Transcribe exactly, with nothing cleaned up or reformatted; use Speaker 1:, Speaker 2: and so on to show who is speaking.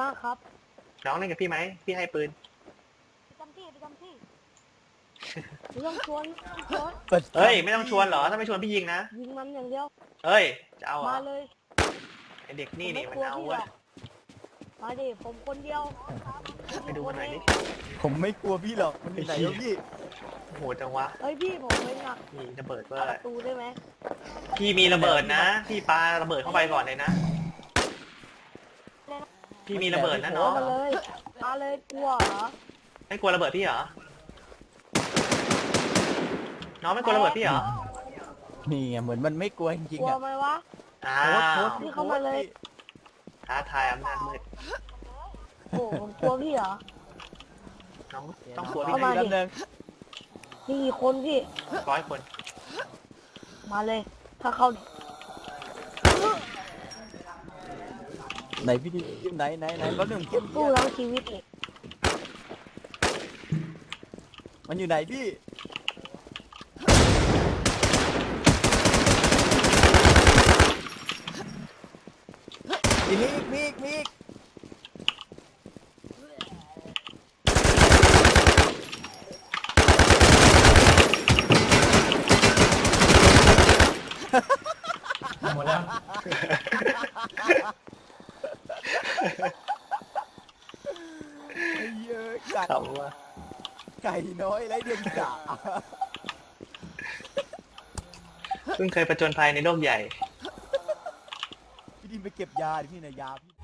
Speaker 1: มากครับ
Speaker 2: น้องเล่นกับพี่ไหมพี่ให้ปืน
Speaker 1: ประจำที่ประจำที่ไม่ต้องชวนไม่ต้องชวน
Speaker 2: เฮ้ยไม่ต้องชวนเหรอถ้าไม่ชวนพี่ยิงนะ
Speaker 1: ยิงมันอย่างเดียว
Speaker 2: เฮ้ยจะเอาเหรอ
Speaker 1: มาเลย
Speaker 2: ไอเด็กนี่นี่มัน
Speaker 1: ผมไม่กลัว
Speaker 2: เอา
Speaker 1: พี่หร
Speaker 2: เว้ย
Speaker 1: อกมาดิผมคนเดียว
Speaker 2: ไปดูมันหน่อยดิ
Speaker 3: ผมไม่กลัวพี่หรอกมันอยู่ไหนวะพี่
Speaker 2: โหดจังวะ
Speaker 1: เฮ้ยพี่ผมเป็นหนัก
Speaker 2: มีระเบิดเว้ย
Speaker 1: ประตูได้ไหม
Speaker 2: พี่มีระเบิดนะพี่ปาระเบิดเข้าไปก่อนเลยนะพี่มีระเบิดนะน้อง
Speaker 1: มาเลยมาเลยกลัวเหรอ
Speaker 2: ไม่กลัวระเบิดพี่เหรอน้องไม่กลัวระเบิดพี่เหรอ
Speaker 3: นี่ไงเหมือนมันไม่กลัวจริง
Speaker 1: กลั
Speaker 3: ๆ
Speaker 1: ว
Speaker 3: อ่ะ
Speaker 1: ไหมวะ
Speaker 2: อ้า
Speaker 3: โพส
Speaker 2: ว
Speaker 3: ต์โพสต์
Speaker 1: พี่เข้ามาเลย
Speaker 2: ท้าทายอำนาจมืด
Speaker 1: โอ้ผมกลัวพี่เหรอ
Speaker 2: น้องต้องกลัวพี่
Speaker 1: เข้ามา
Speaker 2: นะ
Speaker 1: ดิ
Speaker 3: แป๊บนึง
Speaker 1: นี่กี่คนพี่
Speaker 2: ร้อยคน
Speaker 1: มาเลย ถ้าเขา
Speaker 3: ไหนพี่ดิไหนไหนไหนแป๊บนึงเก็บ
Speaker 1: สู้ทั้งชีวิตเลย
Speaker 3: มันอยู่ไหนพี่อีกมีอีกมีอีกมีอีก
Speaker 4: หมดแล้ว
Speaker 3: ไอ้เหี้ยอะไก่
Speaker 2: เขาว่า
Speaker 3: ไก่น้อยไรเดียงสา
Speaker 2: เพิ่งเคยประจนภัยในโลกใหญ่
Speaker 3: พี่ดินไปเก็บยาดิพี่นะยาพี่